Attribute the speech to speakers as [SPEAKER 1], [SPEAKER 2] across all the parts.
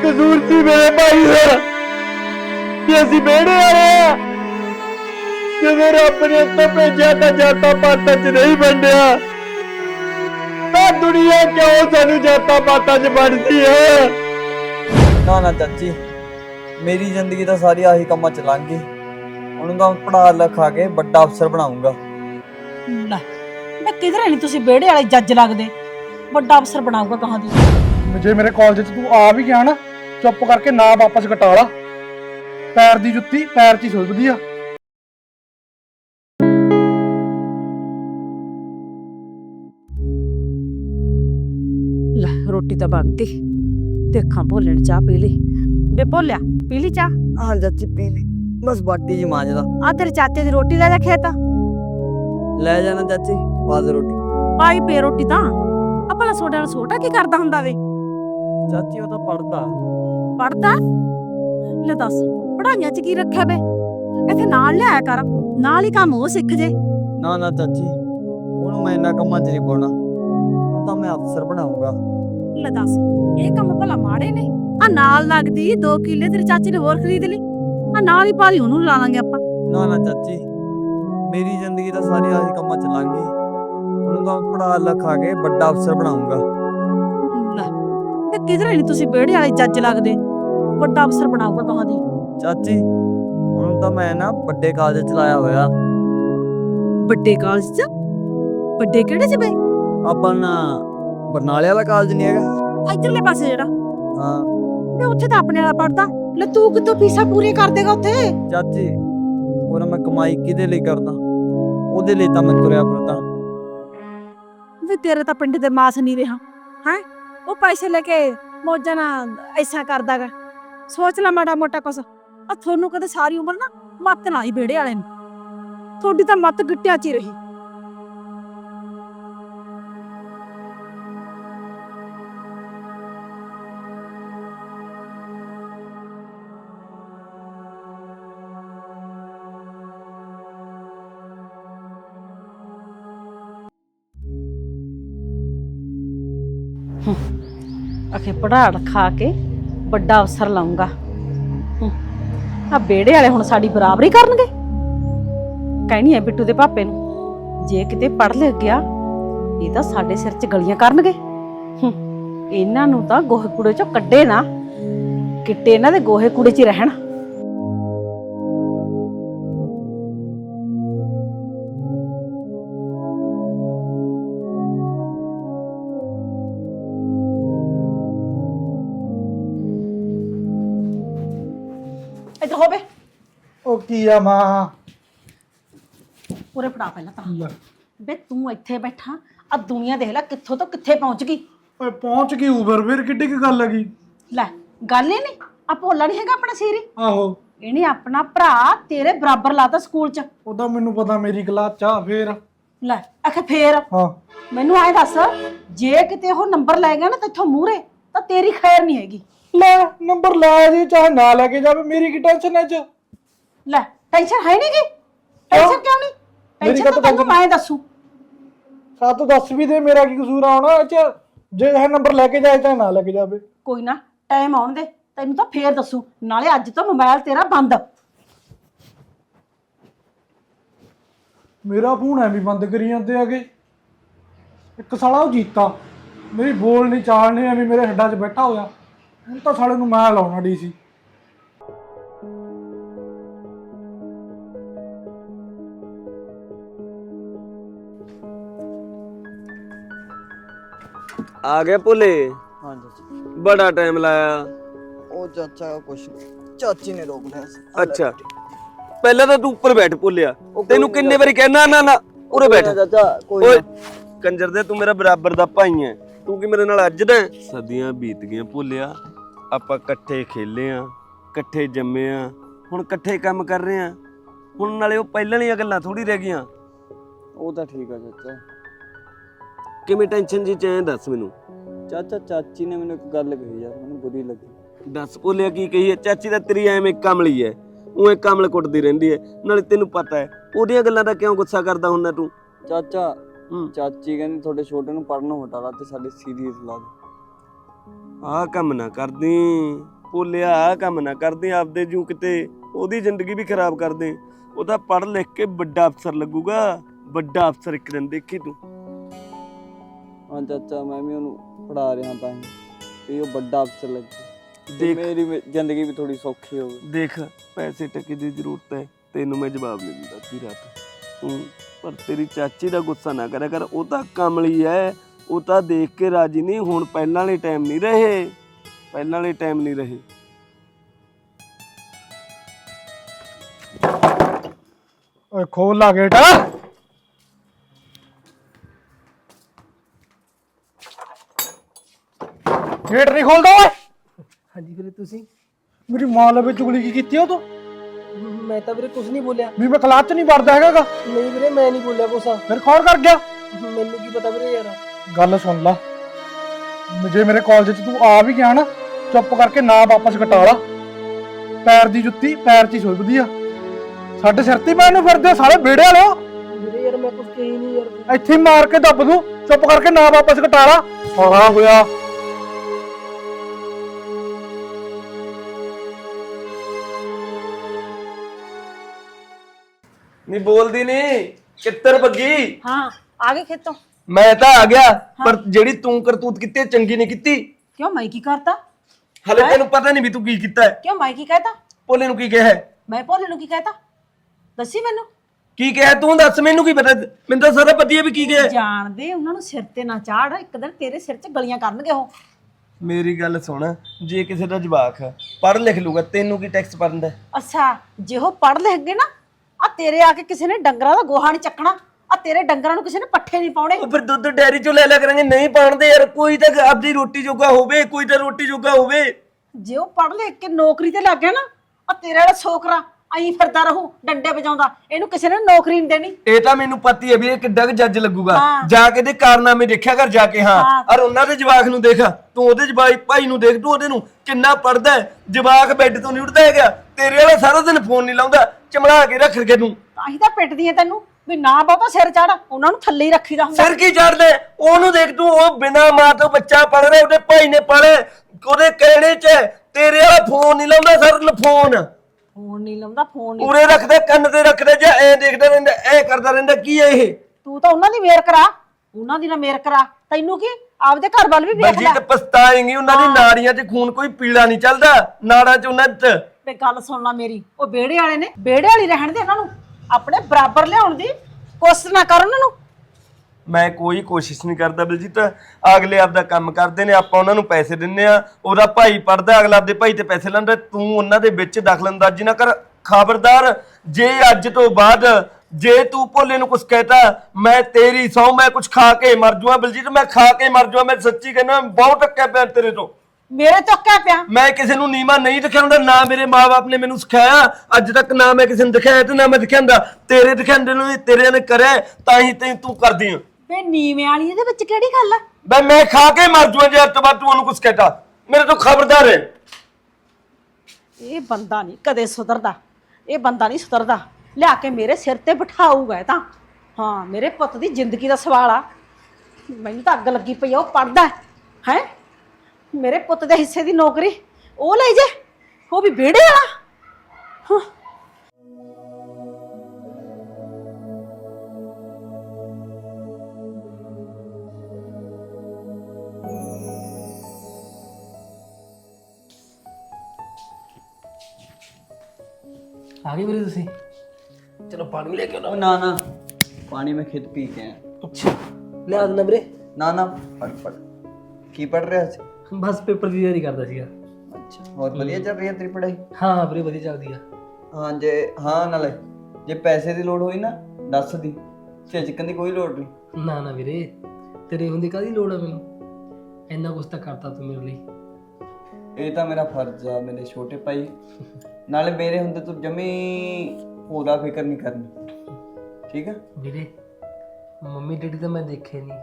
[SPEAKER 1] ਕਸੂਰ ਸੀ ਮੇਰੇ ਭਾਈ ਦਾ ਕਿ ਅਸੀਂ ਵਿਹੜੇ ਆਏ ਆ। ਜਦੋਂ ਰੱਬ ਨੇ ਉੱਤੋਂ ਭੇਜਿਆ ਤਾਂ ਜਾਤਾਂ ਪਾਤਾਂ 'ਚ ਨਹੀਂ ਵੰਡਿਆ, ਤਾਂ ਦੁਨੀਆ ਕਿਉਂ ਸਾਨੂੰ ਜਾਤਾਂ ਪਾਤਾਂ 'ਚ ਵੰਡਦੀ ਹੈ?
[SPEAKER 2] ਨਾ ਨਾ ਚਾਚੀ, ਮੇਰੀ ਜ਼ਿੰਦਗੀ ਤਾਂ ਸਾਰੀ ਆਹੀ ਕੰਮਾਂ ਚ ਲੰਘ ਗਈ। ਉਹਨੂੰ ਤਾਂ ਪੜ੍ਹਾ ਲਿਖਾ ਕੇ ਵੱਡਾ ਅਫਸਰ ਬਣਾਉਂਗਾ।
[SPEAKER 3] ਲੈ ਮੈਂ ਕਿਧਰੇ ਨਹੀਂ, ਤੁਸੀਂ ਵਿਹੜੇ ਵਾਲੇ ਜੱਜ ਲੱਗਦੇ। ਵੱਡਾ ਅਫਸਰ ਬਣਾਊਗਾ ਕਹਾਂ ਦੀ।
[SPEAKER 4] ਜੇ ਮੇਰੇ ਕਾਲਜ 'ਚ ਤੂੰ ਆ ਵੀ ਗਿਆ ਨਾ, ਚੁੱਪ ਕਰਕੇ ਨਾ ਵਾਪਸ ਕਟਾ ਲਾ। ਪੈਰ ਦੀ ਜੁੱਤੀ ਪੈਰ 'ਚ ਹੀ ਸੁੱਝਦੀ ਆ।
[SPEAKER 3] ਲੈ ਰੋਟੀ ਤਾਂ ਬਣਦੀ, ਦੇਖਾਂ ਭੋਲੇ ਨੇ ਚਾਹ ਪੀ ਲਈ। ਬੇ ਭੋਲਿਆ ਪੀ ਲਈ ਚਾਹ?
[SPEAKER 2] ਹਾਂ ਚਾਚੀ ਪੀ ਲਈ, ਬਸ ਬਾਟੀ ਜੀ ਮਾਂਜਦਾ।
[SPEAKER 3] ਆ ਤੇਰੇ ਚਾਚੇ ਦੀ ਰੋਟੀ ਲੈ ਜਾ ਖੇਤ।
[SPEAKER 2] ਲੈ ਜਾਣਾ ਚਾਚੀ, ਪਾ ਦੇ ਰੋਟੀ।
[SPEAKER 3] ਪਾਈ ਪੇ ਰੋਟੀ ਤਾਂ। ਆ ਭਲਾ ਸੋਡਾ ਨਾਲ ਛੋਟਾ ਕੀ ਕਰਦਾ ਹੁੰਦਾ ਵੇ?
[SPEAKER 2] ਚਾਚੀ ਉਹ ਤਾਂ ਪੜਦਾ।
[SPEAKER 3] ਪੜਦਾ? ਲੈ ਦੱਸ, ਪੜਾਈਆਂ 'ਚ ਕੀ ਰੱਖਿਆ ਵੇ? ਇੱਥੇ ਨਾਲ ਲਿਆਇਆ ਕਰ, ਨਾਲ ਹੀ ਕੰਮ ਉਹ ਸਿੱਖ ਜੇ।
[SPEAKER 2] ਨਾ ਨਾ ਚਾਚੀ, ਉਹਨੂੰ ਮੈਂ ਇੰਨਾ ਕੰਮਾਂ 'ਚ ਨਹੀਂ ਪਾਉਣਾ। ਉਹ ਤਾਂ ਮੈਂ ਅਫਸਰ ਬਣਾਉਂਗਾ।
[SPEAKER 3] ਲੈ ਦੱਸ, ਇਹ ਕੰਮ ਭਲਾ ਮਾੜੇ ਨੇ? ਆ ਨਾਲ ਲੱਗਦੀ 2 ਕਿੱਲੇ ਤੇਰੇ ਚਾਚੇ ਨੇ ਹੋਰ ਖਰੀਦ ਲਈ, ਆ ਨਾਲ ਹੀ ਪਾਲੀ ਉਹਨੂੰ ਲਾ ਲਾਂਗੇ ਆਪਾਂ।
[SPEAKER 2] ਨਾ ਨਾ ਚਾਚੀ, ਮੇਰੀ ਜ਼ਿੰਦਗੀ ਤਾਂ ਸਾਰੀ ਆਹੀ ਕੰਮਾਂ 'ਚ ਲੰਘ ਗਈ। ਉਹਨੂੰ ਤਾਂ ਪੜ੍ਹਾ ਲਿਖਾ ਕੇ ਵੱਡਾ ਅਫਸਰ ਬਣਾਉਂਗਾ।
[SPEAKER 3] ਲੈ ਤੇ ਕਿਧਰੇ ਨਹੀਂ, ਤੁਸੀਂ ਵਿਹੜੇ ਵਾਲੇ ਜੱਜ ਲੱਗਦੇ। ਵੱਡਾ ਅਫਸਰ ਬਣਾਊਗਾ ਕਹਾਂ ਦੀ।
[SPEAKER 2] ਚਾਚੀ ਉਹਨੂੰ ਤਾਂ ਮੈਂ ਨਾ ਵੱਡੇ ਕਾਲਜ ਚ ਲਾਇਆ ਹੋਇਆ।
[SPEAKER 3] ਵੱਡੇ ਕਾਲਜ 'ਚ? ਵੱਡੇ ਕਿਹੜੇ 'ਚ ਬਈ?
[SPEAKER 2] ਆਪਣਾ ਬਰਨਾਲੇ ਵਾਲਾ ਕਾਲਜ ਨਹੀਂ ਹੈਗਾ?
[SPEAKER 3] ਇੱਧਰਲੇ ਪਾਸੇ ਜਿਹੜਾ?
[SPEAKER 2] ਹਾਂ
[SPEAKER 3] ਤੇ ਉੱਥੇ ਤਾਂ ਆਪਣੇ ਵਾਲਾ ਪੜਦਾ। ਲੈ ਤੂੰ ਕਿੱਥੋਂ ਫੀਸਾਂ ਪੂਰੀਆਂ ਕਰ ਦੇਗਾ ਉੱਥੇ?
[SPEAKER 2] ਚਾਚੀ, ਉਹ ਮੈਂ ਕਮਾਈ ਕਿਹਦੇ ਲਈ ਕਰਦਾ? ਉਹਦੇ ਲਈ ਤਾਂ ਮੈਂ ਤੁਰਿਆ ਫਿਰਦਾ।
[SPEAKER 3] ਵੀ ਤੇਰੇ ਤਾਂ ਪਿੰਡ ਦੇ ਮਾਸ ਨਹੀਂ ਰਿਹਾ ਹੈ। ਉਹ ਪੈਸੇ ਲੈ ਕੇ ਮੌਜਾਂ ਨਾਲ ਐਸਾ ਕਰਦਾਗਾ। ਸੋਚ ਲੈ ਮਾੜਾ ਮੋਟਾ ਕੁਛ। ਆ ਤੁਹਾਨੂੰ ਕਦੇ ਸਾਰੀ ਉਮਰ ਨਾ ਮੱਤ ਨਾ ਹੀ ਵਿਹੜੇ ਵਾਲੇ ਨੂੰ। ਤੁਹਾਡੀ ਤਾਂ ਮੱਤ ਗਿੱਟਿਆਂ 'ਚ ਹੀ ਰਹੀ। ਅਖੇ ਪੜ੍ਹਾ ਲਿਖਾ ਕੇ ਵੱਡਾ ਅਫਸਰ ਲਾਉਂਗਾ। ਆ ਵਿਹੜੇ ਵਾਲੇ ਹੁਣ ਸਾਡੀ ਬਰਾਬਰੀ ਕਰਨਗੇ। ਕਹਿਣੀ ਹੈ ਬਿੱਟੂ ਦੇ ਪਾਪੇ ਨੂੰ, ਜੇ ਕਿਤੇ ਪੜ੍ਹ ਲਿਖ ਗਿਆ ਇਹ ਤਾਂ ਸਾਡੇ ਸਿਰ 'ਚ ਗਲੀਆਂ ਕਰਨਗੇ। ਇਹਨਾਂ ਨੂੰ ਤਾਂ ਗੋਹੇ ਕੂੜੇ 'ਚੋਂ ਕੱਢੇ ਨਾ, ਕਿੱਟੇ ਇਹਨਾਂ ਦੇ ਗੋਹੇ ਕੂੜੇ 'ਚ ਹੀ ਰਹਿਣ। ਇੱਧਰ ਹੋਵੇ।
[SPEAKER 4] ਉਹ ਕੀ ਆ ਮਾਂ?
[SPEAKER 3] ਪੂਰੇ ਫੜਾ ਪਹਿਲਾਂ ਤਾਂ। ਬੇ ਤੂੰ ਇੱਥੇ ਬੈਠਾ, ਆ ਦੁਨੀਆ ਦੇਖ ਲੈ ਕਿੱਥੋਂ ਤੋਂ ਕਿੱਥੇ ਪਹੁੰਚ ਗਈ।
[SPEAKER 4] ਓਏ ਪਹੁੰਚ ਗਈ ਉਬਰ, ਫਿਰ ਕਿੱਡੀ ਕੀ ਗੱਲ ਹੈਗੀ?
[SPEAKER 3] ਲੈ ਗੱਲ ਹੀ ਨਹੀਂ, ਆ ਭੋਲਾ ਨਹੀਂ ਹੈਗਾ ਆਪਣਾ ਸੀਰੀ?
[SPEAKER 4] ਆਹੋ,
[SPEAKER 3] ਇਹਨੇ ਆਪਣਾ ਭਰਾ ਤੇਰੇ ਬਰਾਬਰ ਲਾਤਾ ਸਕੂਲ 'ਚ।
[SPEAKER 4] ਉਹਦਾ ਮੈਨੂੰ ਪਤਾ, ਮੇਰੀ ਕਲਾਸ 'ਚ ਆ। ਫੇਰ
[SPEAKER 3] ਲੈ ਆਖੇ ਫੇਰ
[SPEAKER 4] ਹਾਂ,
[SPEAKER 3] ਮੈਨੂੰ ਐਂ ਦੱਸ, ਜੇ ਕਿਤੇ ਉਹ ਨੰਬਰ ਲੈ ਗਿਆ ਨਾ ਤੇਥੋਂ ਮੂਹਰੇ ਤਾਂ ਤੇਰੀ ਖੈਰ ਨਹੀਂ ਹੈਗੀ।
[SPEAKER 4] ਲੈ ਨੰਬਰ ਲੈ ਜੇ ਚਾਹੇ ਨਾ ਲੈ ਕੇ ਜਾਵੇ, ਮੇਰੀ ਕੀ ਟੈਨਸ਼ਨ ਹੈ ਚ?
[SPEAKER 3] ਲੈ ਟੈਨਸ਼ਨ ਹੈ ਨਹੀਂ ਗੀ? ਟੈਨਸ਼ਨ ਕਿਉਂ ਨਹੀਂ? ਟੈਨਸ਼ਨ ਤਾਂ ਤੈਨੂੰ ਮੈਂ ਦੱਸੂ।
[SPEAKER 4] ਤੂੰ ਦੱਸ ਵੀ ਦੇ, ਮੇਰਾ ਕੀ ਕਸੂਰ ਆ ਹੁਣ ਚ? ਜੇ ਇਹ ਨੰਬਰ ਲੈ ਕੇ ਜਾਏ ਚਾਹੇ ਨਾ ਲੈ ਕੇ ਜਾਵੇ।
[SPEAKER 3] ਕੋਈ ਨਾ, ਟਾਈਮ ਆਉਣ ਦੇ, ਤੈਨੂੰ ਤਾਂ ਫੇਰ ਦੱਸੂ। ਨਾਲੇ ਅੱਜ ਤੋਂ ਮੋਬਾਈਲ ਤੇਰਾ ਬੰਦ।
[SPEAKER 4] ਮੇਰਾ ਫੋਨ ਐਵੇਂ ਬੰਦ ਕਰੀ ਜਾਂਦੇ ਆਗੇ। ਇੱਕ ਸਾਲਾ ਉਹ ਜੀਤਾ, ਮੇਰੀ ਬੋਲ ਨਹੀਂ ਚਾਲ ਨਹੀਂ, ਐਵੇਂ ਮੇਰੇ ਹੱਡਾਂ 'ਚ ਬੈਠਾ ਹੋਇਆ। ਹੁਣ ਤਾਂ ਸਾਲੇ ਨੂੰ ਮੈਂ ਲਾਉਣਾ ਡੀਸੀ।
[SPEAKER 1] ਆ ਗਏ ਭੁੱਲੇ?
[SPEAKER 2] ਹਾਂ ਚਾਚੀ।
[SPEAKER 1] ਬੜਾ ਟਾਈਮ ਲਾਇਆ।
[SPEAKER 2] ਉਹ ਚਾਚਾ ਕੁਛ ਚਾਚੀ ਨੇ ਰੋਕ ਲਿਆ ਸੀ।
[SPEAKER 1] ਅੱਛਾ, ਪਹਿਲਾਂ ਤਾਂ ਤੂੰ ਉੱਪਰ ਬੈਠ ਭੁੱਲਿਆ। ਤੈਨੂੰ ਕਿੰਨੇ ਵਾਰੀ ਕਹਿਣਾ ਨਾ ਨਾ ਉਰੇ ਬੈਠ।
[SPEAKER 2] ਚਾਚਾ ਕੋਈ
[SPEAKER 1] ਓਏ ਕੰਜਰ ਦੇ, ਤੂੰ ਮੇਰਾ ਬਰਾਬਰ ਦਾ ਭਾਈ ਐ। ਤੂੰ ਕੀ ਮੇਰੇ ਨਾਲ ਅੱਜ ਦਾ? ਸਦੀਆਂ ਬੀਤ ਗਈਆਂ ਭੁੱਲਿਆ, ਆਪਾਂ ਇਕੱਠੇ ਖੇਲੇ ਆ, ਇਕੱਠੇ ਜੰਮੇ ਆ, ਹੁਣ ਇਕੱਠੇ ਕੰਮ ਕਰ ਰਹੇ ਆ। ਹੁਣ ਨਾਲੇ ਉਹ ਪਹਿਲਾਂ ਵਾਲੀਆਂ ਗੱਲਾਂ ਥੋੜੀ ਰਹਿ ਗਈਆਂ।
[SPEAKER 2] ਉਹ ਤਾਂ ਠੀਕ ਆ ਚਾਚਾ।
[SPEAKER 1] ਕਿਵੇਂ ਟੈਨਸ਼ਨ ਜੀ ਚ ਐ ਦੱਸ ਮੈਨੂੰ।
[SPEAKER 2] ਚਾਚਾ ਚਾਚੀ ਨੇ ਮੈਨੂੰ ਇੱਕ ਗੱਲ ਕਹੀ ਯਾਰ, ਮੈਨੂੰ ਬੁਰੀ ਲੱਗੀ।
[SPEAKER 1] ਦੱਸ ਭੁੱਲਿਆ ਕੀ ਕਹੀ ਐ? ਚਾਚੀ ਦਾ ਤੇਰੀ ਐਵੇਂ ਕਮਲੀ ਐ, ਉਹ ਕਮਲ ਕੁੱਟਦੀ ਰਹਿੰਦੀ ਐ। ਨਾਲੇ ਤੈਨੂੰ ਪਤਾ ਹੈ ਉਹਦੀਆਂ ਗੱਲਾਂ ਦਾ ਕਿਉਂ ਗੁੱਸਾ ਕਰਦਾ ਹੁੰਦਾ ਤੂੰ?
[SPEAKER 2] ਚਾਚਾ ਚਾਚੀ ਕਹਿੰਦੀ ਤੁਹਾਡੇ ਛੋਟੇ ਨੂੰ ਪੜ੍ਹਨੋਂ ਹਟਾ ਲਾ ਤੇ ਸਾਡੇ ਸੀਰੀਅਸ ਲਾ ਦੇ।
[SPEAKER 1] ਆਹ ਕੰਮ ਨਾ ਕਰਦੀ, ਭੋਲਿਆ ਆਹ ਕੰਮ ਨਾ ਕਰਦੇ ਆਪਦੇ ਜੂ, ਕਿਤੇ ਉਹਦੀ ਜ਼ਿੰਦਗੀ ਵੀ ਖਰਾਬ ਕਰਦੇ। ਉਹ ਤਾਂ ਪੜ੍ਹ ਲਿਖ ਕੇ ਵੱਡਾ ਅਫਸਰ ਲੱਗੂਗਾ, ਵੱਡਾ ਅਫਸਰ ਇੱਕ ਦਿਨ ਦੇਖੀ ਤੂੰ।
[SPEAKER 2] ਹਾਂ ਚਾਚਾ, ਮੈਂ ਵੀ ਉਹਨੂੰ ਪੜ੍ਹਾ ਰਿਹਾ ਤਾਂ ਹੀ ਵੀ ਉਹ ਵੱਡਾ ਅਫਸਰ ਲੱਗੇ,
[SPEAKER 1] ਦੇਖ
[SPEAKER 2] ਮੇਰੀ ਜ਼ਿੰਦਗੀ ਵੀ ਥੋੜੀ ਸੌਖੀ ਹੋਵੇ।
[SPEAKER 1] ਦੇਖ, ਪੈਸੇ ਟਕੇ ਦੀ ਜ਼ਰੂਰਤ ਹੈ, ਤੈਨੂੰ ਮੈਂ ਜਵਾਬ ਨਹੀਂ ਦਿੰਦਾ ਅੱਧੀ ਰਾਤ ਤੂੰ, ਪਰ ਤੇਰੀ ਚਾਚੀ ਦਾ ਗੁੱਸਾ ਨਾ ਕਰਿਆ ਕਰ, ਉਹ ਤਾਂ ਕਮਲੀ ਹੈ, ਉਹ ਤਾਂ ਦੇਖ ਕੇ ਰਾਜੀ ਨਹੀਂ। ਹੁਣ ਪਹਿਲਾਂ ਵਾਲੇ ਟਾਈਮ ਨਹੀਂ ਰਹੇ, ਪਹਿਲਾਂ ਵਾਲੇ ਟਾਈਮ ਨਹੀਂ ਰਹੇ।
[SPEAKER 4] ਓਏ ਖੋਲ ਲਾ ਗੇਟ। ਗੇਟ ਨਹੀਂ ਖੋਲਦਾ ਓਏ।
[SPEAKER 5] ਹਾਂਜੀ ਵੀਰੇ ਤੁਸੀਂ?
[SPEAKER 4] ਮੇਰੀ ਮਾਂ ਲਵੇ ਚੁਗਲੀ ਕੀ ਕੀਤੀ ਉਹ ਤੂੰ?
[SPEAKER 5] ਮੈਂ ਤਾਂ ਵੀਰੇ ਕੁਝ ਨਹੀਂ ਬੋਲਿਆ।
[SPEAKER 4] ਵੀ ਮੈਂ ਕਲਾਸ ਚ ਨਹੀਂ ਵੜਦਾ ਹੈਗਾ।
[SPEAKER 5] ਨਹੀਂ ਵੀਰੇ ਮੈਂ ਨਹੀਂ ਬੋਲਿਆ ਕੁਛ।
[SPEAKER 4] ਫਿਰ ਕੌਣ ਕਰ ਗਿਆ?
[SPEAKER 5] ਮੈਨੂੰ ਕੀ ਪਤਾ ਵੀਰੇ ਯਾਰ।
[SPEAKER 4] ਗੱਲ ਸੁਣ ਲਾ, ਜੇ ਮੇਰੇ ਕਾਲਜ ਚ ਤੂੰ ਆ ਵੀ ਗਿਆ ਨਾ, ਚੁੱਪ ਕਰਕੇ ਨਾ ਵਾਪਸ ਕਟਾ ਲਾ। ਪੈਰ ਦੀ ਜੁੱਤੀ ਪੈਰ 'ਚ ਹੀ ਸੁੱਭਦੀ ਆ। ਸਾਡੇ ਸਿਰ ਤੇ ਪੈਣ ਨੂੰ ਫਿਰਦੇ ਆ ਸਾਰੇ ਵਿਹੜੇ ਵਾਲਿਓ।
[SPEAKER 5] ਵੀਰੇ ਯਾਰ ਮੈਂ ਕੁਝ ਕਹੀ ਨਹੀਂ ਯਾਰ।
[SPEAKER 4] ਇੱਥੇ ਹੀ ਮਾਰ ਕੇ ਦੱਬ ਦੂੰ। ਚੁੱਪ ਕਰਕੇ ਨਾ ਵਾਪਸ ਕਟਾ ਲਾ। ਸਾਰਾ ਹੋਇਆ।
[SPEAKER 1] ਨਹੀਂ ਬੋਲਦੀ ਨਹੀਂ, ਕਿੱਤਰ ਬੱਗੀ।
[SPEAKER 3] ਹਾਂ ਆ ਗਏ ਖੇਤੋਂ।
[SPEAKER 1] ਮੈਂ ਤਾਂ ਆ ਗਿਆ, ਪਰ ਜਿਹੜੀ ਤੂੰ ਕਰਤੂਤ ਕੀਤੀ ਚੰਗੀ ਨਹੀਂ ਕੀਤੀ।
[SPEAKER 3] ਕਿਉਂ ਮੈਂ ਕੀ ਕਰਤਾ?
[SPEAKER 1] ਹਲੇ ਤੈਨੂੰ ਪਤਾ ਨਹੀਂ ਵੀ ਤੂੰ ਕੀ ਕੀਤਾ ਹੈ।
[SPEAKER 3] ਕਿਉਂ ਮੈਂ ਕੀ ਕਹਿਤਾ?
[SPEAKER 1] ਭੋਲੇ ਨੂੰ ਕੀ ਕਿਹਾ ਹੈ?
[SPEAKER 3] ਮੈਂ ਭੋਲੇ ਨੂੰ ਕੀ ਕਹਿਤਾ? ਦੱਸੀ ਮੈਨੂੰ।
[SPEAKER 1] ਕੀ ਕਿਹਾ ਤੂੰ ਦੱਸ, ਮੈਨੂੰ ਕੀ ਪਤਾ, ਮੈਨੂੰ ਤਾਂ ਸਾਰਾ ਪਤਾ ਹੈ ਵੀ ਕੀ ਕਿਹਾ।
[SPEAKER 3] ਜਾਣਦੇ ਉਹਨਾਂ ਨੂੰ ਸਿਰ ਤੇ ਨਾ ਚਾੜ, ਇੱਕ ਦਿਨ ਤੇਰੇ ਸਿਰ 'ਚ ਗਲੀਆਂ ਕਰਨਗੇ ਉਹ।
[SPEAKER 1] ਮੇਰੀ ਗੱਲ ਸੁਣ, ਜੇ ਕਿਸੇ ਦਾ ਜਵਾਕ ਪੜ੍ਹ ਲਿਖ ਲੂਗਾ, ਤੈਨੂੰ ਕੀ ਟੈਕਸ ਭਰਨ ਦਾ?
[SPEAKER 3] ਅੱਛਾ, ਜੇ ਉਹ ਪੜ੍ਹ ਲਿਖ ਗਏ ਨਾ, ਆ ਤੇਰੇ ਆ ਕੇ ਕਿਸੇ ਨੇ ਡੰਗਰਾਂ ਦਾ ਗੋਹਾ ਨਹੀਂ ਚੱਕਣਾ, ਆ ਤੇਰੇ ਡੰਗਰਾਂ ਨੂੰ ਕਿਸੇ ਨੇ ਪੱਠੇ ਨਹੀਂ ਪਾਉਣੇ।
[SPEAKER 1] ਉਹ ਫਿਰ ਦੁੱਧ ਡੈਰੀ ਚੋਂ ਲੈ ਲਿਆ ਕਰਾਂਗੇ। ਨਹੀਂ ਪਾਣਦੇ ਯਾਰ, ਕੋਈ ਤਾਂ ਆਪਦੀ ਰੋਟੀ ਜੋਗਾ ਹੋਵੇ, ਕੋਈ ਤਾਂ ਰੋਟੀ ਜੋਗਾ ਹੋਵੇ।
[SPEAKER 3] ਜੇ ਉਹ ਪੜ੍ਹ ਲਿਖ ਕੇ ਨੌਕਰੀ ਤੇ ਲੱਗ ਗਿਆ ਨਾ, ਆ ਤੇਰੇ ਵਾਲਾ ਛੋਕਰਾ ਐਂ ਫਿਰਦਾ ਰਹੂ ਡੰਡੇ ਵਜਾਉਂਦਾ, ਇਹਨੂੰ ਕਿਸੇ ਨੇ ਨੌਕਰੀ ਨਹੀਂ ਦੇਣੀ।
[SPEAKER 1] ਇਹ ਤਾਂ ਮੈਨੂੰ ਪਤੀ ਹੈ ਵੀ ਇਹ ਕਿੱਡਾ ਕੁ ਜੱਜ ਲੱਗੂਗਾ। ਜਾ ਕੇ ਦੇ ਕਾਰਨਾਮੇ ਦੇਖਿਆ ਕਰ ਜਾ ਕੇ। ਹਾਂ, ਔਰ ਉਹਨਾਂ ਦੇ ਜਵਾਕ ਨੂੰ ਦੇਖ, ਤੂੰ ਉਹਦੇ ਜਵਾਈ ਭਾਈ ਨੂੰ ਦੇਖ, ਤੂੰ ਉਹਦੇ ਨੂੰ ਕਿੰਨਾ ਪੜਦਾ ਹੈ। ਜਵਾਕ ਬੈੱਡ ਤੋਂ ਨਹੀਂ ਉੱਠਦਾ ਹੈਗਾ, ਤੇਰੇ ਵਾਲਾ ਸਾਰਾ ਦਿਨ ਫੋਨ ਨਹੀਂ ਲਾਉਂਦਾ, ਚਮੜਾ ਕੇ ਰੱਖ ਕੇ ਤੂੰ।
[SPEAKER 3] ਤਾਂ ਹੀ ਤਾਂ ਪਿੱਟਦੀ ਐ ਤੈਨੂੰ ਵੀ ਨਾ ਬਹੁਤਾ ਸਿਰ ਚੜ, ਉਹਨਾਂ ਨੂੰ ਥੱਲੇ ਹੀ ਰੱਖੀਦਾ ਹੁੰਦਾ।
[SPEAKER 1] ਸਿਰ ਕੀ ਚੜਦਾ ਉਹਨੂੰ ਦੇਖ ਤੂੰ, ਉਹ ਬਿਨਾ ਮਾਂ ਤੋਂ ਬੱਚਾ ਪੜ ਰਿਹਾ, ਉਹਦੇ ਭਾਈ ਨੇ ਪੜਿਆ, ਉਹਦੇ ਕਹਿਣੇ 'ਚ ਤੇਰੇ ਵਾਲਾ ਫੋਨ ਨਹੀਂ ਲਾਉਂਦਾ। ਸਰ ਫੋਨ
[SPEAKER 3] ਫੋਨ ਨਹੀਂ ਲਾਉਂਦਾ, ਫੋਨ ਨਹੀਂ।
[SPEAKER 1] ਉਰੇ ਰੱਖਦੇ, ਕੰਨ ਤੇ ਰੱਖਦੇ, ਜਾਂ ਐ ਦੇਖਦਾ ਰਹਿੰਦਾ, ਐ ਕਰਦਾ ਰਹਿੰਦਾ। ਕੀ ਹੈ ਇਹ?
[SPEAKER 3] ਤੂੰ ਤਾਂ ਉਹਨਾਂ ਦੀ ਮੇਰ ਕਰਾ, ਉਹਨਾਂ ਦੀ ਨਾ ਮੇਰ ਕਰਾ। ਤੈਨੂੰ ਕੀ, ਆਪਦੇ ਘਰ ਵੱਲ ਵੀ ਵੇਖ ਲੈ।
[SPEAKER 1] ਬਲਜੀਤ ਪਛਤਾਏਂਗੀ, ਉਹਨਾਂ ਦੀ ਨਾੜੀਆਂ 'ਚ ਖੂਨ ਕੋਈ ਪੀਲਾ ਨਹੀਂ ਚੱਲਦਾ, ਨਾੜਾਂ 'ਚ ਉਹਨਾਂ 'ਚ।
[SPEAKER 3] ਤੇ ਗੱਲ ਸੁਣ ਲੈ ਮੇਰੀ, ਉਹ ਵਿਹੜੇ ਵਾਲੇ ਨੇ, ਵਿਹੜੇ ਵਾਲੀ ਰਹਿਣ ਦੇ, ਉਹਨਾਂ ਨੂੰ ਆਪਣੇ ਬਰਾਬਰ ਲਿਆਉਣ ਦੀ ਕੋਸ਼ਿਸ਼ ਨਾ ਕਰ ਉਹਨਾਂ ਨੂੰ।
[SPEAKER 1] ਮੈਂ ਕੋਈ ਕੋਸ਼ਿਸ਼ ਨਹੀਂ ਕਰਦਾ ਬਲਜੀਤ, ਅਗਲੇ ਆਪਦਾ ਕੰਮ ਕਰਦੇ ਨੇ, ਆਪਾਂ ਉਹਨਾਂ ਨੂੰ ਪੈਸੇ ਦਿੰਨੇ ਆ। ਉਹਦਾ ਭਾਈ ਪੜਦਾ, ਅਗਲਾ ਆਪਦੇ ਭਾਈ ਤੇ ਪੈਸੇ ਲੈਂਦਾ, ਤੂੰ ਉਹਨਾਂ ਦੇ ਵਿੱਚ ਦਖਲਅੰਦਾਜ਼ੀ ਨਾ ਕਰ। ਖਬਰਦਾਰ, ਜੇ ਅੱਜ ਤੋਂ ਬਾਅਦ ਜੇ ਤੂੰ ਭੋਲੇ ਨੂੰ ਕੁਝ ਕਹਿਤਾ, ਮੈਂ ਤੇਰੀ ਸਹੁੰ, ਮੈਂ ਕੁਝ ਖਾ ਕੇ ਮਰ ਜਾਵਾਂ ਬਲਜੀਤ, ਮੈਂ ਖਾ ਕੇ ਮਰ ਜਾਵਾਂ। ਮੈਂ ਸੱਚੀ ਕਹਿੰਦਾ, ਬਹੁਤ ਟੱਕਿਆ ਪਿਆ ਤੇਰੇ ਤੋਂ।
[SPEAKER 3] ਮੇਰੇ ਤੋਂ ਕਿਆ ਪਿਆ?
[SPEAKER 1] ਮੈਂ ਕਿਸੇ ਨੂੰ ਨੀਵਾਂ ਨਹੀਂ ਦਿਖਾਉਂਦਾ, ਨਾ ਮੇਰੇ ਮਾਪੇ ਨੇ ਮੈਨੂੰ ਸਿਖਾਇਆ ਅੱਜ ਤੱਕ, ਨਾ ਮੈਂ ਕਿਸੇ ਨੂੰ ਦਿਖਾਇਆ ਤੇ ਨਾ ਮੈਂ ਦਿਖਾਉਂਦਾ। ਤੇਰੇ ਦਿਖਾਉਂਦੇ ਨੂੰ ਤੇਰੇ ਨੇ ਕਰਿਆ, ਤਾਂ ਹੀ ਤੂੰ ਕਰਦੀ ਆ।
[SPEAKER 3] ਵੇ ਨੀਵੇਂ ਵਾਲੀ ਇਹਦੇ ਵਿੱਚ ਕਿਹੜੀ ਗੱਲ ਆ?
[SPEAKER 1] ਬਈ ਮੈਂ ਖਾ ਕੇ ਮਰ ਜਾਵਾਂ ਜੇ ਅੱਜ ਤੋਂ ਬਾਅਦ ਤੂੰ ਉਹਨੂੰ ਕੁਝ ਕਹਿਤਾ। ਮੇਰੇ ਤੋਂ ਖਬਰਦਾਰ ਹੈ।
[SPEAKER 3] ਇਹ ਬੰਦਾ ਨਹੀਂ ਕਦੇ ਸੁਧਰਦਾ, ਇਹ ਬੰਦਾ ਨਹੀਂ ਸੁਧਰਦਾ। ਲਿਆ ਕੇ ਮੇਰੇ ਸਿਰ ਤੇ ਬਿਠਾਊਗਾ ਤਾਂ। ਹਾਂ, ਮੇਰੇ ਪੁੱਤ ਦੀ ਜ਼ਿੰਦਗੀ ਦਾ ਸਵਾਲ ਆ। ਮੈਨੂੰ ਤਾਂ ਅੱਗ ਲੱਗੀ ਪਈ ਆ, ਉਹ ਪੜਦਾ ਹੈ। ਮੇਰੇ ਪੁੱਤ ਦੇ ਹਿੱਸੇ ਦੀ ਨੌਕਰੀ ਉਹ ਲੈ ਜੇ, ਉਹ ਵੀ ਵਿਹੜੇ ਵਾਲਾ। ਹਾਂ,
[SPEAKER 5] ਆ ਗਏ ਵੀਰੇ ਤੁਸੀਂ? ਚਲੋ ਪਾਣੀ ਲੈ ਕੇ ਆਉਣਾ।
[SPEAKER 2] ਉਹ ਨਾ ਪਾਣੀ ਮੈਂ ਖੁਦ ਪੀ ਕੇ ਆਇਆ।
[SPEAKER 5] ਅੱਛਾ ਲਿਆ ਦਿੰਦਾ ਵੀਰੇ।
[SPEAKER 2] ਨਾ ਪੜ ਕੀ ਪੜ ਰਿਹਾ ਸੀ?
[SPEAKER 5] ਬਸ ਪੇਪਰ ਦੀ ਤਿਆਰੀ ਕਰਦਾ ਸੀਗਾ।
[SPEAKER 2] ਅੱਛਾ, ਹੋਰ ਵਧੀਆ ਚੱਲ ਰਹੀ ਹੈ ਤੇਰੀ ਪੜ੍ਹਾਈ?
[SPEAKER 5] ਹਾਂ ਵੀਰੇ ਵਧੀਆ ਚੱਲਦੀ ਆ।
[SPEAKER 2] ਹਾਂ ਨਾਲੇ ਜੇ ਪੈਸੇ ਦੀ ਲੋੜ ਹੋਈ ਨਾ ਦੱਸ ਦੀ, ਝਿਜਕਣ ਦੀ ਕੋਈ ਲੋੜ ਨਹੀਂ।
[SPEAKER 5] ਨਾ ਵੀਰੇ, ਤੇਰੇ ਹੁੰਦੀ ਕਾਹਦੀ ਲੋੜ ਆ ਮੈਨੂੰ? ਇੰਨਾ ਕੁਛ ਤਾਂ ਕਰਤਾ ਤੂੰ ਮੇਰੇ ਲਈ।
[SPEAKER 2] ਇਹ ਤਾਂ ਮੇਰਾ ਫਰਜ਼ ਆ ਮੇਰੇ ਛੋਟੇ ਭਾਈ, ਨਾਲੇ ਮੇਰੇ ਹੁੰਦੇ ਤੂੰ ਜਮੀ ਉਹਦਾ ਫਿਕਰ ਨਹੀਂ ਕਰਨੀ, ਠੀਕ ਆ
[SPEAKER 5] ਵੀਰੇ? ਮੰਮੀ ਡੈਡੀ ਤਾਂ ਮੈਂ ਦੇਖੇ ਨਹੀਂ,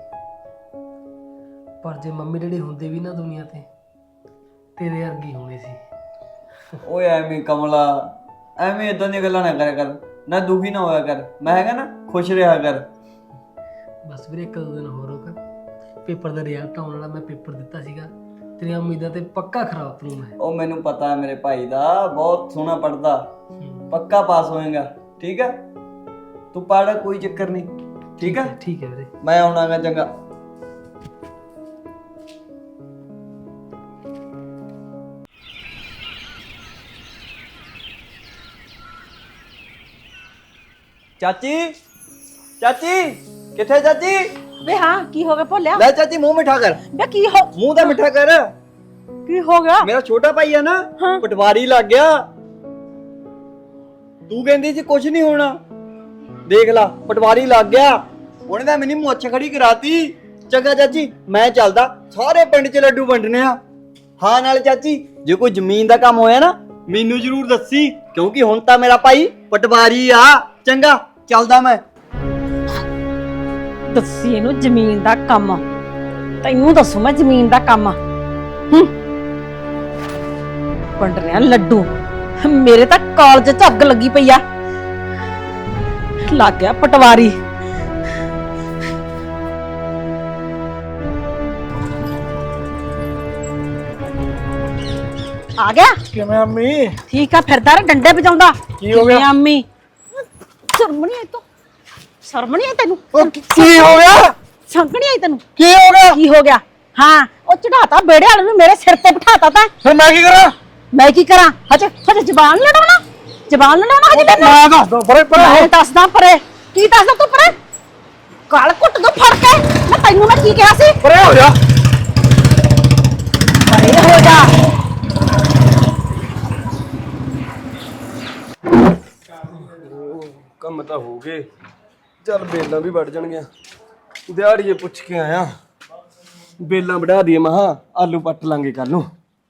[SPEAKER 5] ਪਰ ਜੇ ਮੰਮੀ ਡੈਡੀ ਹੁੰਦੇ ਵੀ ਨਾ ਦੁਨੀਆ ਤੇ, ਤੇਰੇ ਵਰਗੀ ਹੋਣੀ ਸੀ।
[SPEAKER 2] ਓਏ ਐਵੇਂ ਕਮਲਾ, ਐਵੇਂ ਇਦਾਂ ਦੀਆਂ ਗੱਲਾਂ ਨਾ ਕਰਿਆ ਕਰ, ਨਾ ਦੁਖੀ ਨਾ ਹੋਇਆ ਕਰ। ਮੈਂ ਹੈਗਾ ਨਾ, ਖੁਸ਼ ਰਿਹਾ ਕਰ।
[SPEAKER 5] ਬਸ ਵੀਰੇ ਇੱਕ ਦੋ ਦਿਨ ਹੋਰ ਰੁਕ, ਪੇਪਰ ਦਾ ਰਿਜ਼ਲਟ ਆਉਣ ਵਾਲਾ। ਮੈਂ ਪੇਪਰ ਦਿੱਤਾ ਸੀਗਾ, ਤੇਰੀਆਂ ਉਮੀਦਾਂ ਤੇ ਪੱਕਾ ਖਰਾ ਉਤਰੂ ਮੈਂ।
[SPEAKER 2] ਉਹ ਮੈਨੂੰ ਪਤਾ ਹੈ ਮੇਰੇ ਭਾਈ ਦਾ, ਬਹੁਤ ਸੋਹਣਾ ਪੜਦਾ, ਪੱਕਾ ਪਾਸ ਹੋਏਗਾ। ਠੀਕ ਹੈ, ਤੂੰ ਪੜ, ਕੋਈ ਚੱਕਰ ਨਹੀਂ। ਠੀਕ ਹੈ
[SPEAKER 5] ਠੀਕ ਹੈ ਵੀਰੇ।
[SPEAKER 2] ਮੈਂ ਆਉਣਾਗਾ। ਚੰਗਾ। ਚਾਚੀ, ਚਾਚੀ ਕਿੱਥੇ ਚਾਚੀ?
[SPEAKER 3] ਵੇ ਹਾਂ, ਕੀ ਹੋ ਗਿਆ ਭੋਲਿਆ?
[SPEAKER 2] ਲੈ ਚਾਚੀ ਮੂੰਹ ਮਿਠਾ ਕਰ,
[SPEAKER 3] ਵੇ ਕੀ ਹੋ
[SPEAKER 2] ਮੂੰਹ ਦਾ ਮਿਠਾ ਕਰ।
[SPEAKER 3] ਕੀ ਹੋ ਗਿਆ?
[SPEAKER 2] ਮੇਰਾ ਛੋਟਾ ਭਾਈ ਆ ਨਾ,
[SPEAKER 3] ਹਾਂ।
[SPEAKER 2] ਪਟਵਾਰੀ ਲੱਗ ਗਿਆ। ਤੂੰ ਕਹਿੰਦੀ ਸੀ ਕੁਝ ਨਹੀਂ ਹੋਣਾ, ਦੇਖ ਲਾ ਪਟਵਾਰੀ ਲੱਗ ਗਿਆ। ਉਹਨੇ ਤਾਂ ਮੈਨੂੰ ਮੁੱਛ ਖੜੀ ਕਰਾਤੀ। ਚੰਗਾ ਚਾਚੀ, ਮੈਂ ਚੱਲਦਾ, ਸਾਰੇ ਪਿੰਡ 'ਚ ਲੱਡੂ ਵੰਡਣੇ ਆ। ਹਾਂ ਨਾਲੇ ਚਾਚੀ, ਜੇ ਕੋਈ ਜ਼ਮੀਨ ਦਾ ਕੰਮ ਹੋਇਆ ਨਾ ਮੈਨੂੰ ਜ਼ਰੂਰ ਦੱਸੀ, ਕਿਉਂਕਿ ਹੁਣ ਤਾਂ ਮੇਰਾ ਭਾਈ ਪਟਵਾਰੀ ਆ। ਚੰਗਾ, ਚੱਲਦਾ ਮੈਂ।
[SPEAKER 3] ਦੱਸੀ ਇਹਨੂੰ ਜ਼ਮੀਨ ਦਾ ਕੰਮ, ਤੈਨੂੰ ਦੱਸੂ ਮੈਂ ਜ਼ਮੀਨ ਦਾ ਕੰਮ। ਵੰਡ ਰਿਹਾ ਲੱਡੂ, ਮੇਰੇ ਤਾਂ ਕਾਲਜ 'ਚ ਅੱਗ ਲੱਗੀ ਪਈ ਆ। ਲੱਗ ਗਿਆ ਪਟਵਾਰੀ। ਆ ਗਿਆ?
[SPEAKER 4] ਕਿਵੇਂ ਅੰਮੀ?
[SPEAKER 3] ਠੀਕ ਆ, ਫਿਰਦਾ ਰ ਡੰਡੇ ਵਜਾਉਂਦਾ।
[SPEAKER 4] ਕੀ ਹੋ ਗਿਆ?
[SPEAKER 3] ਕਿਵੇਂ ਅੰਮੀ? ਸ਼ਰਮ ਨਹੀਂ ਆਈ ਤੂੰ? ਸ਼ਰਮ ਨਹੀਂ ਆਈ ਤੈਨੂੰ?
[SPEAKER 4] ਕੀ ਹੋ ਗਿਆ?
[SPEAKER 3] ਸੰਗ ਨਹੀਂ ਆਈ ਤੈਨੂੰ?
[SPEAKER 4] ਕੀ ਹੋ ਗਿਆ?
[SPEAKER 3] ਕੀ ਹੋ ਗਿਆ? ਹਾਂ, ਉਹ ਚੜਾਤਾ ਬੇੜੇ ਵਾਲੇ ਨੂੰ, ਮੇਰੇ ਸਿਰ ਤੇ ਬਿਠਾਤਾ ਤਾਂ।
[SPEAKER 4] ਫਿਰ ਮੈਂ ਕੀ ਕਰਾਂ?
[SPEAKER 3] ਮੈਂ ਕੀ ਕਰਾਂ? ਹਜੇ ਹਜੇ ਜ਼ਬਾਨ ਲੜਾਉਣਾ, ਜ਼ਬਾਨ ਲੜਾਉਣਾ ਹਜੇ ਤੈਨੂੰ?
[SPEAKER 4] ਮੈਂ ਦੱਸ ਦੋ ਪਰੇ ਪਰੇ
[SPEAKER 3] ਮੈਂ ਦੱਸਦਾ ਪਰੇ। ਕੀ ਦੱਸਦਾ ਤੂੰ ਪਰੇ? ਗਲ ਘੁੱਟ ਦੋ ਫੜ ਕੇ। ਮੈਂ ਤੈਨੂੰ ਮੈਂ ਕੀ ਕਿਹਾ ਸੀ?
[SPEAKER 4] ਪਰੇ ਹੋ ਜਾ।
[SPEAKER 3] ਪਰੇ ਹੋ ਜਾ।
[SPEAKER 1] ਕੰਮ ਤਾਂ ਹੋ ਗਏ, ਚੱਲ ਬੇਲਾਂ ਵੀ ਵੱਢ ਜਾਣਗੀਆਂ। ਦਿਹਾੜੀਏ ਪੁੱਛ ਕੇ ਆਇਆ, ਬੇਲਾਂ ਵਢਾ ਦਈਏ। ਮਹਾ ਆਲੂ ਪੱਟ ਲਾਂਗੇ ਕੱਲ ਨੂੰ।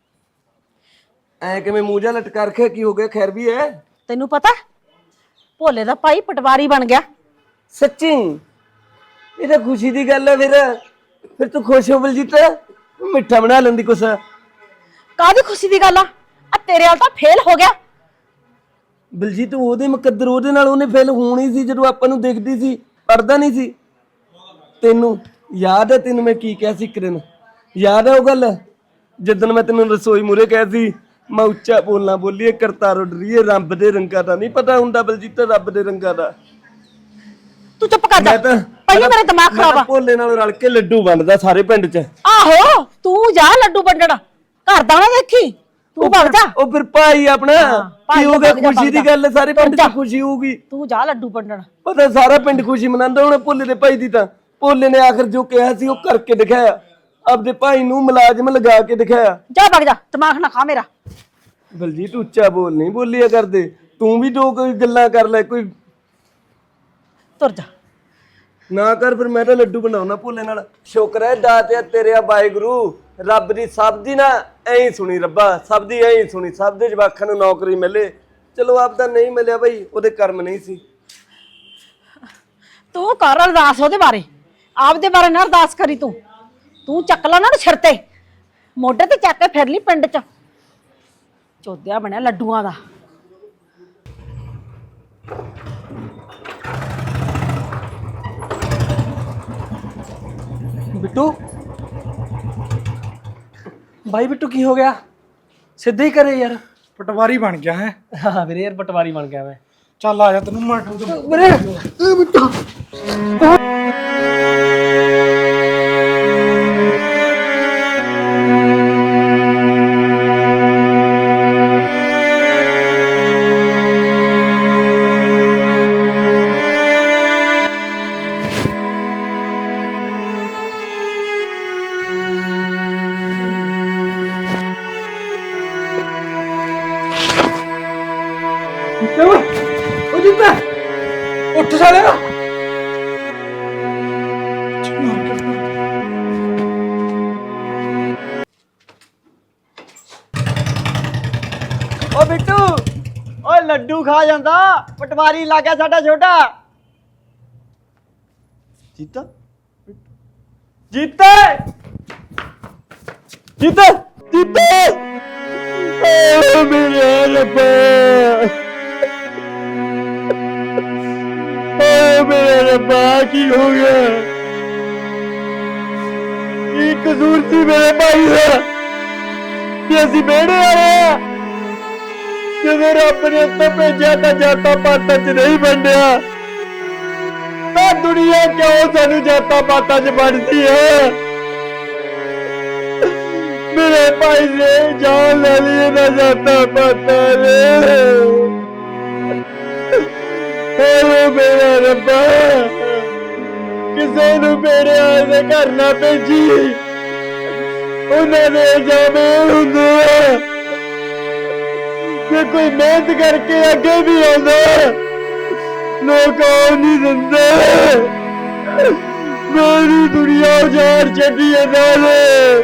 [SPEAKER 1] ਐ ਕਿਵੇਂ ਮੂੰਹ ਜਾ ਲਟਕਾ ਰੱਖਿਆ, ਕੀ ਹੋ ਗਿਆ? ਖੈਰ ਵੀ ਹੈ?
[SPEAKER 3] ਤੈਨੂੰ ਪਤਾ ਭੋਲੇ ਦਾ ਭਾਈ ਪਟਵਾਰੀ ਬਣ ਗਿਆ।
[SPEAKER 1] ਸੱਚੀ? ਇਹ ਤਾਂ ਖੁਸ਼ੀ ਦੀ ਗੱਲ ਹੈ। ਫਿਰ ਤੂੰ ਖੁਸ਼ ਹੋ ਬਲਜੀਤ? ਮਿੱਠਾ ਬਣਾ ਲੈਂਦੀ ਕੁਛ।
[SPEAKER 3] ਕਾਹਦੀ ਖੁਸ਼ੀ ਦੀ ਗੱਲ ਆ? ਆ ਤੇਰੇ ਵਾਲ ਤਾਂ ਫੇਲ ਹੋ ਗਿਆ।
[SPEAKER 1] ਬਲਜੀਤ ਉਹਦੇ ਮੁਕੱਦਰ, ਉਹਦੇ ਨਾਲ ਉਹਨੇ ਫੇਲ ਹੋਣੀ ਸੀ ਜਦੋਂ ਆਪਾਂ ਨੂੰ ਦੇਖਦੀ ਸੀ, ਪੜਦਾ ਨਹੀਂ ਸੀ। ਤੈਨੂੰ ਯਾਦ ਹੈ? ਤੈਨੂੰ ਮੈਂ ਕੀ ਕਿਹਾ ਸੀ ਇੱਕ ਦਿਨ, ਯਾਦ ਹੈ ਉਹ ਗੱਲ? ਜਦੋਂ ਮੈਂ ਤੈਨੂੰ ਰਸੋਈ ਮੂਰੇ ਕਿਹਾ ਸੀ, ਮੈਂ ਉੱਚਾ ਬੋਲਣਾ, ਬੋਲੀਏ ਕਰਤਾਰ ਉੱਡਰੀਏ, ਰੱਬ ਦੇ ਰੰਗਾਂ ਦਾ ਨਹੀਂ ਪਤਾ ਹੁੰਦਾ ਬਲਜੀਤ, ਰੱਬ ਦੇ ਰੰਗਾਂ ਦਾ।
[SPEAKER 3] ਤੂੰ ਚੁੱਪ ਕਰ ਜਾ, ਪਹਿਲਾਂ ਮੇਰਾ ਦਿਮਾਗ ਖਰਾਬ ਆ।
[SPEAKER 1] ਭੋਲੇ ਨਾਲ ਰਲ ਕੇ ਲੱਡੂ ਵੰਡਦਾ ਸਾਰੇ ਪਿੰਡ 'ਚ।
[SPEAKER 3] ਆਹੋ, ਤੂੰ ਜਾ ਲੱਡੂ ਵੰਡਣ, ਘਰ ਦਾ ਨਾ ਦੇਖੀ, ਤੂੰ ਭੱਜ ਜਾ।
[SPEAKER 1] ਉਹ ਫਿਰ ਭਾਈ ਆਪਣਾ
[SPEAKER 3] ਭਾਈ
[SPEAKER 1] ਕੀ ਹੋ ਗਿਆ?
[SPEAKER 3] ਭੱਜ ਜਾ,
[SPEAKER 1] ਖੁਸ਼ੀ ਦੀ ਗੱਲ ਹੈ, ਸਾਰੇ ਪਿੰਡ 'ਚ ਖੁਸ਼ੀ ਹੋਊਗੀ।
[SPEAKER 3] ਤੂੰ ਜਾ ਲੱਡੂ ਵੰਡਣ।
[SPEAKER 1] ਪਤਾ ਸਾਰਾ ਪਿੰਡ ਖੁਸ਼ੀ ਮਨਾਉਂਦਾ ਹੁਣ ਭੋਲੇ ਦੇ ਭਾਈ ਦੀ। ਤਾਂ ਭੋਲੇ ਨੇ ਆਖਰ ਜੋ ਕਿਹਾ ਸੀ ਉਹ ਕਰਕੇ ਦਿਖਾਇਆ, ਆਪਦੇ ਭਾਈ ਨੂੰ ਮੁਲਾਜ਼ਮ ਲਗਾ ਕੇ ਦਿਖਾਇਆ।
[SPEAKER 3] ਜਾ ਭੱਜ ਜਾ, ਦਿਮਾਗ ਨਾ ਖਾ ਮੇਰਾ।
[SPEAKER 1] ਬਲਜੀਤ ਉੱਚਾ ਬੋਲ, ਨਹੀਂ ਬੋਲਿਆ ਕਰਦੇ। ਤੂੰ ਵੀ ਦੋ ਕੋਈ ਗੱਲਾਂ ਕਰ ਲੈ, ਕੋਈ
[SPEAKER 3] ਤੁਰ ਜਾ।
[SPEAKER 1] ਨਾ ਕਰ। ਫਿਰ ਮੈਂ ਤਾਂ ਲੱਡੂ ਬਣਾਉਣਾ ਭੋਲੇ ਨਾਲ। ਸ਼ੁਕਰ ਹੈ ਦਾਤਿਆ ਤੇਰੇ ਆ ਵਾਹਿਗੁਰੂ, ਰੱਬ ਦੀ ਸਭ ਦੀ ਨਾ ਐਂ ਹੀ ਸੁਣੀ, ਰੱਬਾ ਸਭ ਦੀ ਐਂ ਹੀ ਸੁਣੀ। ਸਭ ਦੇ ਜਵਾਕਾਂ ਨੂੰ ਨੌਕਰੀ ਮਿਲੇ। ਚਲੋ ਆਪਦਾ ਨਹੀਂ ਮਿਲਿਆ ਬਈ, ਉਹਦੇ ਕਰਮ ਨਹੀਂ ਸੀ।
[SPEAKER 3] ਤੂੰ ਕਰ ਅਰਦਾਸ ਉਹਦੇ ਬਾਰੇ, ਆਪਦੇ ਬਾਰੇ ਨਾ ਅਰਦਾਸ ਕਰੀ। ਤੂੰ ਚੱਕ ਲਾ ਨਾ ਸਿਰ ਤੇ, ਮੋਢੇ ਤੇ ਚੱਕ ਕੇ ਫਿਰ ਲਈ ਪਿੰਡ 'ਚ। ਚੋਦਿਆ ਬਣਿਆ ਲੱਡੂਆਂ ਦਾ।
[SPEAKER 5] ਬਿੱਟੂ, ਬਾਈ ਬਿੱਟੂ ਕੀ ਹੋ ਗਿਆ? ਸਿੱਧੇ ਹੀ ਕਰੇ ਯਾਰ।
[SPEAKER 4] ਪਟਵਾਰੀ ਬਣ ਗਿਆ ਹੈ।
[SPEAKER 5] ਹਾਂ ਵੀਰੇ, ਯਾਰ ਪਟਵਾਰੀ ਬਣ ਗਿਆ ਮੈਂ।
[SPEAKER 4] ਚੱਲ ਆ ਜਾ, ਤੈਨੂੰ ਮੈਂ
[SPEAKER 5] ਵੀਰੇ
[SPEAKER 4] ਉਹ ਜਿੱਤਾ ਉੱਠ ਸਾਲਿਆ।
[SPEAKER 2] ਓ ਬਿੱਟੂ, ਓਏ ਲੱਡੂ ਖਾ ਜਾਂਦਾ, ਪਟਵਾਰੀ ਲੱਗ ਗਿਆ ਸਾਡਾ ਛੋਟਾ। ਜੀਤਾ, ਜੀਤੇ, ਜੀਤੇ, ਜੀਤੇ, ਓ ਮੇਰੇ ਰੱਬਾ, ਓ ਮੇਰੇ ਰੱਬਾ, ਕੀ ਹੋ ਗਿਆ? ਕੀ ਕਸੂਰ ਸੀ ਮੇਰੇ ਭਾਈ ਦਾ?
[SPEAKER 1] ਕਿ ਅਸੀਂ ਵਿਹੜੇ ਵਾਲੇ ਆ। ਜਦੋਂ ਰੱਬ ਨੇ ਉੱਤੋਂ ਭੇਜਿਆ ਤਾਂ ਜਾਤਾਂ ਪਾਤਾਂ 'ਚ ਨਹੀਂ ਵੰਡਿਆ, ਤਾਂ ਦੁਨੀਆ ਕਿਉਂ ਸਾਨੂੰ ਜਾਤਾਂ ਪਾਤਾਂ 'ਚ ਵੰਡਦੀ ਹੈ? ਮੇਰੇ ਭਾਈ ਨੇ ਜਾਨ ਲੈ ਲਈ ਇਹਨਾਂ ਜਾਤਾਂ ਪਾਤਾਂ ਨੇ। ਓ ਮੇਰਾ ਰੱਬਾ, ਕਿਸੇ ਨੂੰ ਮੇਰੇ ਆਲੇ ਘਰ ਨਾ ਭੇਜੀ। ਉਹਨਾਂ ਦੇ ਜਾਵੇ ਹੁੰਦੇ ਆ ਕਿ ਕੋਈ ਮਿਹਨਤ ਕਰਕੇ ਅੱਗੇ ਵੀ ਆਉਂਦਾ, ਲੋਕ ਆਉਣ ਨਹੀਂ ਦਿੰਦੇ। ਮੇਰੀ ਦੁਨੀਆ ਉਜਾੜ ਛੱਡੀ ਇਹਨਾਂ ਨੇ।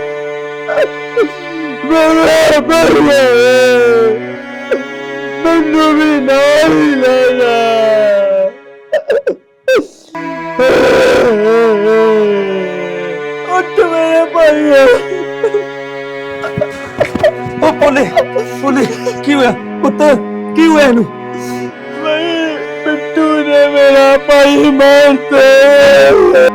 [SPEAKER 1] ਮੈਨੂੰ ਵੀ ਨਾਲ ਹੀ ਲੈ ਜਾ। ਉੱਠ ਮੇਰੇ ਭਾਈ।
[SPEAKER 4] ਉਹ ਭੋਲੇ ਭੋਲੇ ਕੀ ਹੋਇਆ ਪੁੱਤ, ਕੀ ਹੋਇਆ ਇਹਨੂੰ?
[SPEAKER 1] ਬਿੱਟੂ ਨੇ ਮੇਰਾ ਭਾਈ ਮਾਰਤਾ।